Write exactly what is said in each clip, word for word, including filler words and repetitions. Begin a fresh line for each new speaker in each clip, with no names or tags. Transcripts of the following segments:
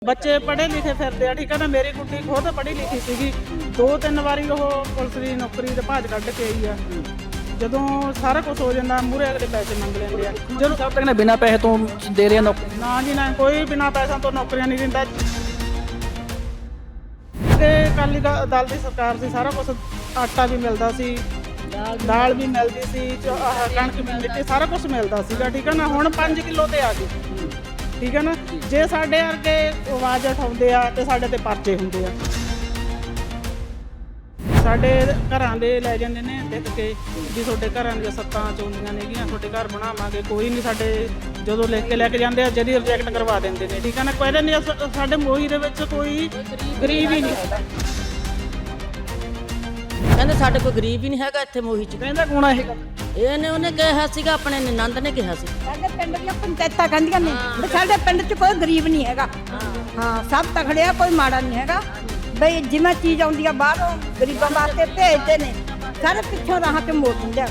ਬੱਚੇ ਪੜ੍ਹੇ ਲਿਖੇ ਫਿਰਦੇ ਆ, ਠੀਕ ਹੈ ਨਾ। ਮੇਰੀ ਕੁੜੀ ਖੁਦ ਪੜ੍ਹੀ ਲਿਖੀ ਸੀਗੀ, ਦੋ ਤਿੰਨ ਵਾਰੀ ਉਹ ਪੁਲਿਸ ਦੀ ਨੌਕਰੀ ਦੇ ਭਾਜ ਕੱਢ ਕੇ ਆਈ ਆ। ਜਦੋਂ ਸਾਰਾ ਕੁਝ ਹੋ ਜਾਂਦਾ ਮੂਹਰੇ ਅਗਲੇ ਪੈਸੇ ਮੰਗ ਲੈਂਦੇ ਆ।
ਜਦੋਂ ਸਭ ਤੱਕ ਨੇ ਬਿਨਾਂ ਪੈਸੇ ਤੋਂ ਦੇ ਰਹੇ ਨੌਕਰੀ।
ਨਾ ਜੀ ਨਾ, ਕੋਈ ਬਿਨਾਂ ਪੈਸਿਆਂ ਤੋਂ ਨੌਕਰੀਆਂ ਨਹੀਂ ਦਿੰਦਾ। ਤੇ ਅਕਾਲੀ ਦਲ ਦੀ ਸਰਕਾਰ ਸੀ, ਸਾਰਾ ਕੁਝ ਆਟਾ ਵੀ ਮਿਲਦਾ ਸੀ, ਦਾਲ ਵੀ ਮਿਲਦੀ ਸੀ, ਆਹ ਕਣਕ ਵੀ ਮਿੱਟੀ ਸਾਰਾ ਕੁਝ ਮਿਲਦਾ ਸੀਗਾ, ਠੀਕ ਹੈ ਨਾ। ਹੁਣ ਪੰਜ ਕਿਲੋ ਤੇ ਆ ਗਏ, ਠੀਕ ਹੈ ਨਾ। ਜੇ ਸਾਡੇ ਵਰਗੇ ਆਵਾਜ਼ ਉਠਾਉਂਦੇ ਆ ਤੇ ਸਾਡੇ ਤੇ ਪਰਚੇ ਹੁੰਦੇ ਆ। ਸਾਡੇ ਘਰਾਂ ਦੇ ਲੈ ਜਾਂਦੇ ਨੇ ਦੇਖ ਕੇ ਵੀ ਤੁਹਾਡੇ ਘਰਾਂ ਦੀਆਂ ਸੱਤਾਂ ਚੋਂਦੀਆਂ ਨੇਗੀਆਂ, ਤੁਹਾਡੇ ਘਰ ਬਣਾਵਾਂਗੇ। ਕੋਈ ਨਹੀਂ, ਸਾਡੇ ਜਦੋਂ ਲਿਖ ਕੇ ਲੈ ਕੇ ਜਾਂਦੇ ਆ ਜਦੀ ਰਿਜੈਕਟ ਕਰਵਾ ਦਿੰਦੇ ਨੇ, ਠੀਕ ਹੈ ਨਾ। ਕੋਈ ਨਹੀਂ, ਸਾਡੇ ਮੋਹੀ ਦੇ ਵਿੱਚ ਕੋਈ ਗਰੀਬ ਹੀ ਨਹੀਂ ਹੈਗਾ।
ਕਹਿੰਦੇ ਸਾਡੇ ਕੋਈ ਗਰੀਬ ਹੀ ਨਹੀਂ ਹੈਗਾ ਇੱਥੇ ਮੋਹੀ ਚ।
ਕਹਿੰਦਾ ਕੌਣ ਆ ਇਹ ਗੱਲ?
ਇਹਨੇ ਉਹਨੇ ਕਿਹਾ ਸੀਗਾ, ਆਪਣੇ ਨਨੰਦ ਨੇ ਕਿਹਾ ਸੀ।
ਸਾਡੇ ਪਿੰਡ ਦੀਆਂ ਪੰਚਾਇਤਾਂ ਕਹਿੰਦੀਆਂ ਨੇ ਵੀ ਸਾਡੇ ਪਿੰਡ 'ਚ ਕੋਈ ਗਰੀਬ ਨਹੀਂ ਹੈਗਾ। ਹਾਂ, ਸਭ ਤਕੜੇ ਆ, ਕੋਈ ਮਾੜਾ ਨਹੀਂ ਹੈਗਾ। ਬਈ ਜਿਵੇਂ ਚੀਜ਼ ਆਉਂਦੀ ਆ ਬਾਹਰੋਂ ਗਰੀਬਾਂ ਵਾਸਤੇ ਭੇਜਦੇ ਨੇ, ਸਾਰੇ ਪਿੱਛੋਂ ਰਾਹ ਤੇ ਮੋੜ ਦਿੰਦੇ ਆ।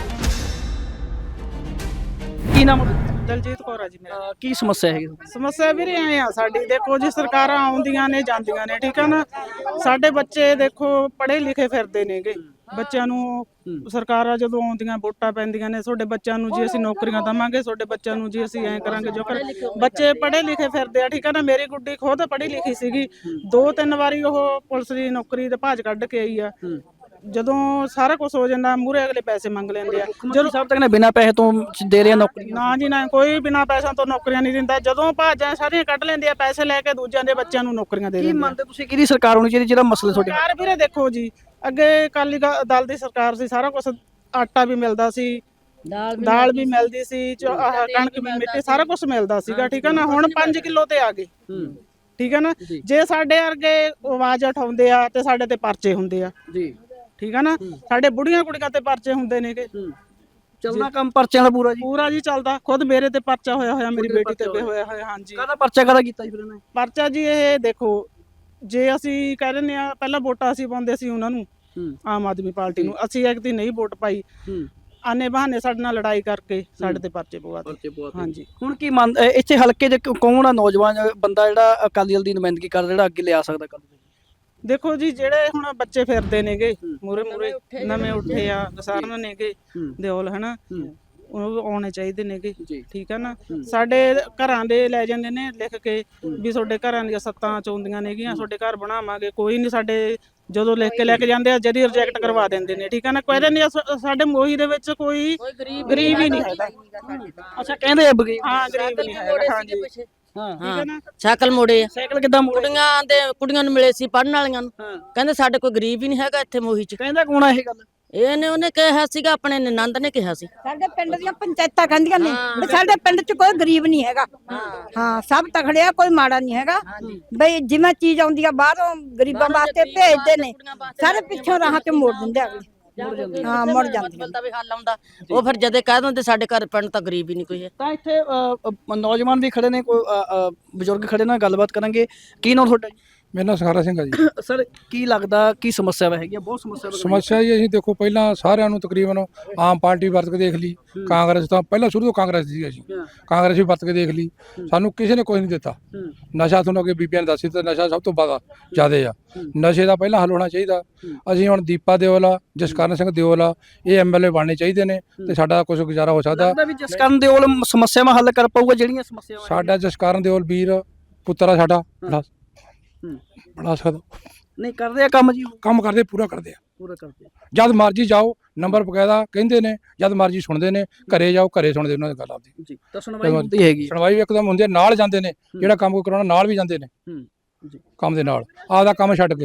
ਕੀ ਨਾਮ?
ਦਲਜੀਤ ਕੌਰ ਆ ਜੀ ਮੇਰਾ।
ਅਹ ਕੀ ਸਮੱਸਿਆ ਹੈਗੀ?
ਸਮੱਸਿਆ ਵੀਰੇ ਐ ਆ ਸਾਡੀ, ਦੇਖੋ ਜੀ ਸਰਕਾਰਾਂ ਆਉਂਦੀਆਂ ਨੇ ਜਾਂਦੀਆਂ ਨੇ, ਠੀਕ ਆ ਨਾ। ਸਾਡੇ ਬੱਚੇ ਦੇਖੋ ਪੜ੍ਹੇ ਲਿਖੇ ਫਿਰਦੇ ਨੇਗੇ। ਬੱਚਿਆਂ ਨੂੰ ਸਰਕਾਰਾਂ ਜਦੋਂ ਆਉਂਦੀਆਂ ਵੋਟਾਂ ਪੈਂਦੀਆਂ ਨੇ, ਤੁਹਾਡੇ ਬੱਚਿਆਂ ਨੂੰ ਜੀ ਅਸੀਂ ਨੌਕਰੀਆਂ ਦੇਵਾਂਗੇ, ਤੁਹਾਡੇ ਬੱਚਿਆਂ ਨੂੰ ਜੀ ਅਸੀਂ ਐਂ ਕਰਾਂਗੇ ਜੋ ਕਰ। ਬੱਚੇ ਪੜ੍ਹੇ ਲਿਖੇ ਫਿਰਦੇ ਆ, ਠੀਕ ਆ ਨਾ। ਮੇਰੀ ਕੁੜੀ ਖੁਦ ਪੜ੍ਹੀ ਲਿਖੀ ਸੀਗੀ, ਦੋ ਤਿੰਨ ਵਾਰੀ ਉਹ ਪੁਲਿਸ ਦੀ ਨੌਕਰੀ ਦੇ ਭਾਜ ਕੱਢ ਕੇ ਆਈ ਆ। ਜਦੋਂ ਸਾਰਾ ਕੁਝ ਹੋ ਜਾਂਦਾ ਮੂਹਰੇ ਅਗਲੇ ਪੈਸੇ ਮੰਗ ਲੈਂਦੇ ਆ।
ਜਦੋਂ ਸਭ ਤੱਕ ਨੇ ਬਿਨਾਂ ਪੈਸੇ ਤੋਂ ਦੇ ਰਹੇ ਨੌਕਰੀ।
ਨਾ ਜੀ ਨਾ, ਕੋਈ ਬਿਨਾਂ ਪੈਸਿਆਂ ਤੋਂ ਨੌਕਰੀਆਂ ਨਹੀਂ ਦਿੰਦਾ। ਜਦੋਂ ਭਾਜਾਂ ਸਾਰੀਆਂ ਕੱਢ ਲੈਂਦੇ ਆ, ਪੈਸੇ ਲੈ ਕੇ ਦੂਜਿਆਂ ਦੇ ਬੱਚਿਆਂ ਨੂੰ ਨੌਕਰੀਆਂ ਦੇ
ਕੀ
ਦਿੰਦੇ ਆ।
ਮੰਨਦੇ ਤੁਸੀਂ ਕਿਹਦੀ ਸਰਕਾਰ ਹੋਣੀ ਚਾਹੀਦੀ ਜਿਹੜਾ ਮਸਲੇ ਤੁਹਾਡੇ?
ਸਰਕਾਰ ਵੀਰੇ ਦੇਖੋ ਜੀ, ਅੱਗੇ ਅਕਾਲੀ ਦਲ ਦੀ ਸਰਕਾਰ ਸੀ, ਸਾਰਾ ਕੁਝ ਆਟਾ ਵੀ ਮਿਲਦਾ ਸੀ, ਦਾਲ ਵੀ ਮਿਲਦੀ ਸੀ, ਆਹ ਕਣਕ ਵੀ ਮਿੱਟੀ ਸਾਰਾ ਕੁਝ ਮਿਲਦਾ ਸੀਗਾ, ਠੀਕ ਹੈ ਨਾ। ਹੁਣ ਪੰਜ ਕਿਲੋ ਤੇ ਆ ਗਏ, ਠੀਕ ਹੈ ਨਾ। ਜੇ ਸਾਡੇ ਵਰਗੇ ਆਵਾਜ਼ ਉਠਾਉਂਦੇ ਆ ਤੇ ਸਾਡੇ ਤੇ ਪਰਚੇ ਹੁੰਦੇ ਆ
ਜੀ,
ਠੀਕ ਹੈ ਨਾ। ਸਾਡੇ ਬੁੜੀਆਂ ਕੁੜੀਆਂ ਤੇ ਪਰਚੇ ਹੁੰਦੇ ਨੇਗੇ।
ਚੱਲਦਾ ਕੰਮ ਪਰਚਿਆਂ ਦਾ ਪੂਰਾ ਜੀ?
ਪੂਰਾ ਜੀ ਚੱਲਦਾ। ਖੁਦ ਮੇਰੇ ਤੇ ਪਰਚਾ ਹੋਇਆ ਹੋਇਆ, ਮੇਰੀ ਬੇਟੀ ਤੇ ਵੀ ਹੋਇਆ ਹੋਇਆ। ਹਾਂਜੀ,
ਕਾਹਦਾ ਪਰਚਾ ਕਾਹਦਾ ਕੀਤਾ ਜੀ ਫਿਰ ਇਹਨੇ?
ਪਰਚਾ ਜੀ ਇਹ ਦੇਖੋ, ਜੇ ਅਸੀਂ ਕਹਿ ਦਿੰਦੇ ਆ ਪਹਿਲਾਂ ਵੋਟਾਂ ਅਸੀਂ ਪਾਉਂਦੇ ਸੀ ਉਹਨਾਂ ਨੂੰ, ਆਮ ਆਦਮੀ ਪਾਰਟੀ ਨੂੰ, ਅਸੀਂ ਇੱਕ ਦੀ ਨਹੀਂ ਵੋਟ ਪਾਈ, ਆਨੇ ਬਹਾਨੇ ਸਾਡੇ ਨਾਲ ਲੜਾਈ ਕਰਕੇ ਸਾਡੇ ਤੇ ਪਰਚੇ ਪਵਾਤੇ। ਹਾਂਜੀ,
ਹੁਣ ਕੀ ਮੰਨ ਇੱਥੇ ਹਲਕੇ ਦੇ ਕੌਣ ਆ ਨੌਜਵਾਨ ਬੰਦਾ ਜਿਹੜਾ ਅਕਾਲੀ ਦਲ ਦੀ ਨੁਮਾਇੰਦਗੀ ਕਰਦਾ, ਜਿਹੜਾ ਅੱਗੇ ਲਿਆ ਸਕਦਾ ਕੱਲ?
ਦੇਖੋ ਜੀ, ਜਿਹੜੇ ਹੁਣ ਬੱਚੇ ਫਿਰਦੇ ਨੇਗੇ ਮੂਰੇ ਮੂਰੇ ਨਵੇਂ ਉੱਠੇ ਆ, ਸਾਰਨ ਨੇਗੇ ਦਿਓਲ ਹਨਾ, ਉਹ ਆਉਣੇ ਚਾਹੀਦੇ ਨੇਗੇ, ਠੀਕ ਹੈ ਨਾ। ਸਾਡੇ ਘਰਾਂ ਦੇ ਲੈ ਜਾਂਦੇ ਨੇ ਲਿਖ ਕੇ ਵੀ ਤੁਹਾਡੇ ਘਰਾਂ ਦੀਆਂ ਸੱਤਾਂ ਚੋਂਦੀਆਂ ਨੇਗੀਆਂ, ਤੁਹਾਡੇ ਘਰ ਬਣਾਵਾਂਗੇ। ਕੋਈ ਨਹੀਂ, ਸਾਡੇ ਜਦੋਂ ਲਿਖ ਕੇ ਲੈ ਕੇ ਜਾਂਦੇ ਆ ਜਦੀ ਰਿਜੈਕਟ ਕਰਵਾ ਦਿੰਦੇ ਨੇ, ਠੀਕ ਹੈ ਨਾ। ਕੋਈ ਨਹੀਂ, ਸਾਡੇ ਮੋਹੀ ਦੇ ਵਿੱਚ ਕੋਈ ਗਰੀਬ ਹੀ ਨਹੀਂ ਹੈਗਾ।
ਅੱਛਾ, ਕਹਿੰਦੇ ਆ ਬਗੀਰ?
ਹਾਂ, ਗਰੀਬ ਨਹੀਂ ਹੈਗਾ। ਹਾਂਜੀ,
ਹਾਂ,
ਠੀਕ ਹੈ ਨਾ।
ਸਾਈਕਲ ਮੋੜੇ ਆ।
ਸਾਈਕਲ ਕਿੱਦਾਂ ਮੋੜੇ?
ਕੁੜੀਆਂ ਦੇ ਕੁੜੀਆਂ ਨੂੰ ਮਿਲੇ ਸੀ ਪੜਨ ਵਾਲੀਆਂ ਨੂੰ, ਕਹਿੰਦੇ ਸਾਡੇ ਕੋਈ ਗਰੀਬ ਹੀ ਨਹੀਂ ਹੈਗਾ ਇੱਥੇ ਮੋਹੀ ਚ।
ਕਹਿੰਦਾ ਕੌਣ ਆ ਇਹ ਗੱਲ?
ਇਹਨੇ ਉਹਨੇ ਕਿਹਾ ਸੀਗਾ, ਆਪਣੇ ਨਨੰਦ ਨੇ ਕਿਹਾ ਸੀ।
ਸਾਡੇ ਪਿੰਡ ਦੀਆਂ ਪੰਚਾਇਤਾਂ ਕਹਿੰਦੀਆਂ ਨੇ ਵੀ ਸਾਡੇ ਪਿੰਡ 'ਚ ਕੋਈ ਗਰੀਬ ਨਹੀਂ ਹੈਗਾ। ਹਾਂ, ਸਭ ਤਕੜੇ ਆ, ਕੋਈ ਮਾੜਾ ਨਹੀਂ ਹੈਗਾ। ਬਈ ਜਿਵੇਂ ਚੀਜ਼ ਆਉਂਦੀ ਆ ਬਾਹਰੋਂ ਗਰੀਬਾਂ ਵਾਸਤੇ ਭੇਜਦੇ ਨੇ, ਸਾਰੇ ਪਿੱਛੋਂ ਰਾਹ ਤੇ ਮੋੜ ਦਿੰਦੇ ਆ ਅਗਲੇ। ਹਾਂ, ਮੁੜ ਜਾਂਦੇ
ਦਾ ਵੀ ਹੱਲ ਆਉਂਦਾ, ਉਹ ਫਿਰ ਜਦੇ ਕਹਿ ਦਿੰਦੇ ਸਾਡੇ ਘਰ ਪਿੰਡ ਤਾਂ ਗਰੀਬ ਹੀ ਨਹੀਂ ਕੋਈ ਹੈ।
ਤਾਂ ਇੱਥੇ ਨੌਜਵਾਨ ਵੀ ਖੜੇ ਨੇ, ਕੋਈ ਬਜ਼ੁਰਗ ਖੜੇ ਨੇ, ਗੱਲਬਾਤ ਕਰਾਂਗੇ। ਕੀ ਨਾਮ ਤੁਹਾਡਾ ਜੀ?
ਮੇਰਾ ਨਾਮ ਸਖਾਰਾ ਸਿੰਘ ਆ ਜੀ।
ਸਰ, ਕੀ ਲੱਗਦਾ ਕੀ ਸਮੱਸਿਆ ਹੈਗੀਆਂ? ਬਹੁਤ ਸਮੱਸਿਆ
ਸਮੱਸਿਆ ਜੀ, ਅਸੀਂ ਦੇਖੋ ਪਹਿਲਾਂ ਸਾਰਿਆਂ ਨੂੰ ਤਕਰੀਬਨ ਆਮ ਪਾਰਟੀ ਵਰਤ ਕੇ ਦੇਖ ਲਈ, ਕਾਂਗਰਸ ਤਾਂ ਪਹਿਲਾਂ ਸ਼ੁਰੂ ਤੋਂ ਕਾਂਗਰਸ ਸੀ, ਅਸੀਂ ਕਾਂਗਰਸ ਵੀ ਵਰਤ ਕੇ ਦੇਖ ਲਈ, ਸਾਨੂੰ ਕਿਸੇ ਨੇ ਕੁਝ ਨਹੀਂ ਦਿੱਤਾ। ਨਸ਼ਾ ਤੁਹਾਨੂੰ ਅੱਗੇ ਬੀਬੀਆਂ ਨੇ ਦੱਸੀ ਤਾਂ ਨਸ਼ਾ ਸਭ ਤੋਂ ਜ਼ਿਆਦਾ ਜ਼ਿਆਦੇ ਆ। ਨਸ਼ੇ ਦਾ ਪਹਿਲਾਂ ਹੱਲ ਹੋਣਾ ਚਾਹੀਦਾ। ਅਸੀਂ ਹੁਣ ਦੀਪਾ ਦਿਓਲ ਆ, ਜਸਕਰਨ ਸਿੰਘ ਦਿਓਲ ਆ, ਇਹ ਐਮ ਐਲ ਏ ਬਣਨੇ ਚਾਹੀਦੇ ਨੇ ਤੇ ਸਾਡਾ ਕੁਝ ਗੁਜ਼ਾਰਾ ਹੋ ਸਕਦਾ।
ਜਸਕਰਨ ਦਿਓਲ ਸਮੱਸਿਆਵਾਂ ਹੱਲ ਕਰ ਪਾਊਗਾ ਜਿਹੜੀਆਂ ਸਮੱਸਿਆਵਾਂ?
ਸਾਡਾ ਜਸਕਰਨ ਦਿਓਲ ਵੀਰ ਪੁੱਤਰ ਆ ਸਾਡਾ, ਬਣਾ ਸਕਦਾ।
ਨਹੀਂ ਕਰਦੇ ਆ ਕੰਮ ਜੀ?
ਕੰਮ ਕਰਦੇ, ਪੂਰਾ ਕਰਦੇ ਆ,
ਪੂਰਾ ਕਰਦੇ।
ਜਦ ਮਰਜੀ ਜਾਓ, ਨੰਬਰ ਬਕਾਇਦਾ ਕਹਿੰਦੇ ਨੇ, ਜਦ ਮਰਜੀ ਸੁਣਦੇ ਨੇ। ਘਰੇ ਜਾਓ, ਘਰੇ ਸੁਣਦੇ ਉਹਨਾਂ ਦੀ ਗੱਲ ਆਪਦੀ
ਜੀ। ਤਾਂ ਸੁਣਵਾਈ ਹੁੰਦੀ ਹੈਗੀ?
ਸੁਣਵਾਈ ਇੱਕਦਮ ਹੁੰਦੀ ਹੈ, ਨਾਲ ਜਾਂਦੇ ਨੇ, ਜਿਹੜਾ ਕੰਮ ਕੋਈ ਕਰਾਉਣਾ ਨਾਲ ਵੀ ਜਾਂਦੇ ਨੇ, ਕੰਮ ਦੇ ਨਾਲ ਆਪਦਾ ਕੰਮ ਛੱਡ ਕੇ।